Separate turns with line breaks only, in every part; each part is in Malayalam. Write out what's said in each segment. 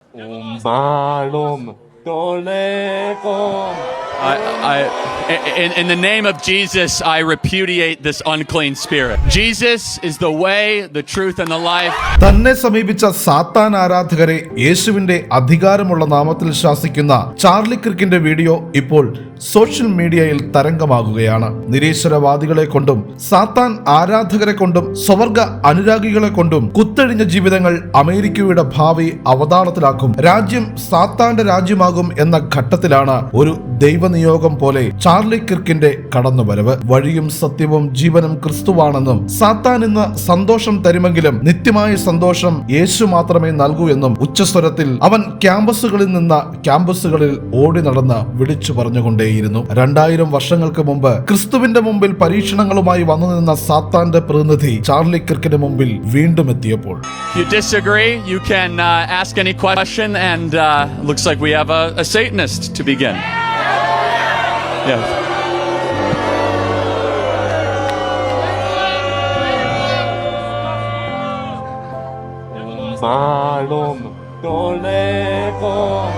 Umbalum Tolegom.
In the name of Jesus, I repudiate this unclean spirit. Jesus is the way, the truth, and the life.
തന്നെ സമീപിച്ച സാത്താൻ ആരാധകരെ യേശുവിന്റെ അധികാരമുള്ള നാമത്തിൽ ശാസിക്കുന്ന ചാർലി കിർക്കിന്റെ വീഡിയോ ഇപ്പോൾ സോഷ്യൽ മീഡിയയിൽ തരംഗമാകുകയാണ്. നിരീശ്വരവാദികളെ കൊണ്ടും സാത്താൻ ആരാധകരെ കൊണ്ടും സ്വവർഗ അനുരാഗികളെ കൊണ്ടും കുത്തഴിഞ്ഞ ജീവിതങ്ങൾ അമേരിക്കയുടെ ഭാവി അവതാളത്തിലാക്കും. രാജ്യം സാത്താന്റെ രാജ്യമാകും എന്ന ഘട്ടത്തിലാണ് ഒരു ദൈവനിയോഗം പോലെ ചാർലി കിർക്കിന്റെ കടന്നുവരവ്. വഴിയും സത്യവും ജീവനും ക്രിസ്തുവാണെന്നും സാത്താൻ ഇന്ന് സന്തോഷം തരുമെങ്കിലും നിത്യമായ സന്തോഷം യേശു മാത്രമേ നൽകൂ എന്നും ഉച്ചസ്വരത്തിൽ അവൻ ക്യാമ്പസുകളിൽ നിന്ന് ക്യാമ്പസുകളിൽ ഓടി നടന്ന് വിളിച്ചു പറഞ്ഞുകൊണ്ടേയിരുന്നു. 2000 വർഷങ്ങൾക്ക് മുമ്പ് ക്രിസ്തുവിന്റെ മുമ്പിൽ പരീക്ഷണങ്ങളുമായി വന്നു നിന്ന സാത്താന്റെ പ്രതിനിധി ചാർലി കിർക്കിന്റെ മുമ്പിൽ വീണ്ടും എത്തിയപ്പോൾ
You disagree? You can ask any question, and looks like we have a Satanist to begin. Yes.
Umbalum Tolegom.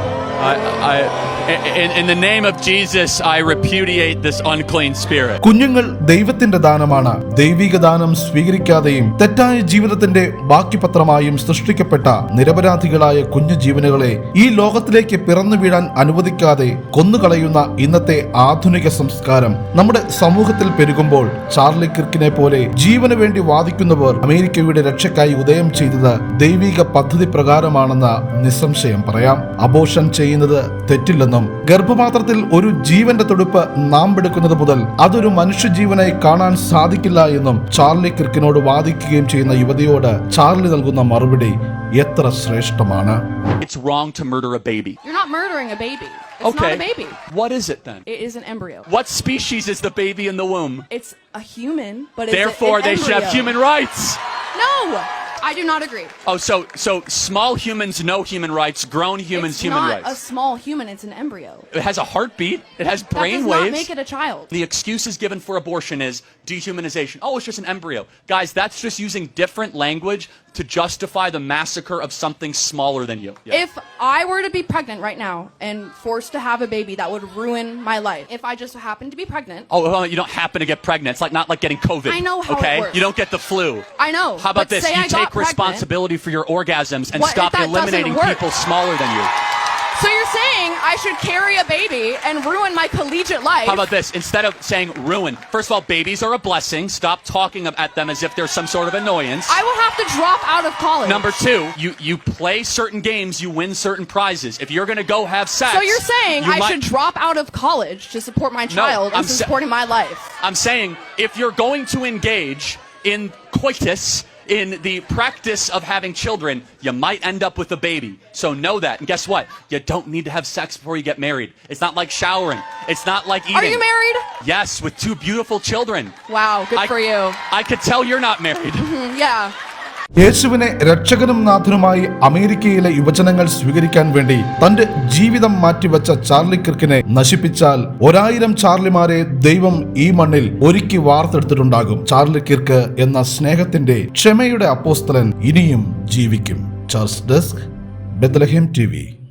In the name of Jesus, I repudiate this unclean spirit.
കുഞ്ഞുങ്ങൾ ദൈവത്തിന്റെ ദാനമാണ്. ദൈവിക ദാനം സ്വീകരിക്കാതെയും തെറ്റായ ജീവിതത്തിന്റെ ബാക്കി പത്രമായും സൃഷ്ടിക്കപ്പെട്ട നിരപരാധികളായ കുഞ്ഞു ജീവനുകളെ ഈ ലോകത്തിലേക്ക് പിറന്നു വീഴാൻ അനുവദിക്കാതെ കൊന്നുകളയുന്ന ഇന്നത്തെ ആധുനിക സംസ്കാരം നമ്മുടെ സമൂഹത്തിൽ പെരുകുമ്പോൾ ചാർലി കിർക്കിനെ പോലെ ജീവന് വേണ്ടി വാദിക്കുന്നവർ അമേരിക്കയുടെ രക്ഷയ്ക്കായി ഉദയം ചെയ്തത് ദൈവിക പദ്ധതി പ്രകാരമാണെന്ന് നിസ്സംശയം പറയാം. അബോർഷൻ ചെയ്യുന്നത് തെറ്റില്ലെന്നും ഗർഭപാത്രത്തിൽ ഒരു ജീവന്റെ തുടിപ്പ് നാമ്പെടുക്കുന്നത് മുതൽ അതൊരു മനുഷ്യജീവനായി കാണാൻ സാധിക്കില്ല എന്നും ചാർലി കിർക്കിനോട് വാദിക്കുകയും ചെയ്യുന്ന യുവതിയോട് ചാർലി നൽകുന്ന മറുപടി എത്ര ശ്രേഷ്ഠമാണ്.
It's wrong to murder a baby.
You're not murdering a baby. It's
Okay.
not a baby.
What is it then?
It is an embryo.
What species is the baby in the womb?
It's a human, but it's
Therefore,
an
they should have
embryo.
human rights.
No, I do not agree.
Oh, so small humans, no human rights. Grown humans,
It's
human
not
rights.
a small human. It's an embryo.
It has a heartbeat. It has
That
brain
does not
waves.
make it a child.
The excuses given for abortion is dehumanization. Oh, it's just an embryo. Guys, that's just using different language to justify the massacre of something smaller than you. Yeah.
If I were to be pregnant right now and forced to have a baby, that would ruin my life. If I just happen to be pregnant.
Oh, well, you don't happen to get pregnant. It's like not like getting COVID.
I know how it
okay?
works.
You don't get the flu.
I know.
How about
but
this?
say
You
I got
take
pregnant.
responsibility for your orgasms and
What if
stop
that doesn't
eliminating
work?
people smaller than you.
So you're saying I should carry a baby and ruin my collegiate life?
How about this? Instead of saying ruin, first of all, babies are a blessing. Stop talking at them as if they're some sort of annoyance.
I will have to drop out of college.
Number 2, you play certain games, you win certain prizes. If you're going to go have sex,
So you're saying
you
I should drop out of college to support my child
I'm
instead of supporting my life?
I'm saying if you're going to engage in coitus, in the practice of having children, you might end up with a baby. So know that. And guess what? You don't need to have sex before you get married. It's not like showering. It's not like eating.
Are you married?
Yes, with 2 beautiful children.
Wow, good for you.
I could tell you're not married.
Yeah.
യേശുവിനെ രക്ഷകനും നാഥനുമായി അമേരിക്കയിലെ യുവജനങ്ങൾ സ്വീകരിക്കാൻ വേണ്ടി തന്റെ ജീവിതം മാറ്റിവെച്ച ചാർലി കിർക്കിനെ നശിപ്പിച്ചാൽ 1000 ചാർലിമാരെ ദൈവം ഈ മണ്ണിൽ ഒരുക്കി വാർത്തെടുത്തിട്ടുണ്ടാകും. ചാർലി കിർക്ക് എന്ന സ്നേഹത്തിന്റെ ക്ഷമയുടെ അപ്പോസ്തലൻ ഇനിയും ജീവിക്കും. Charles desk, Bethlehem TV.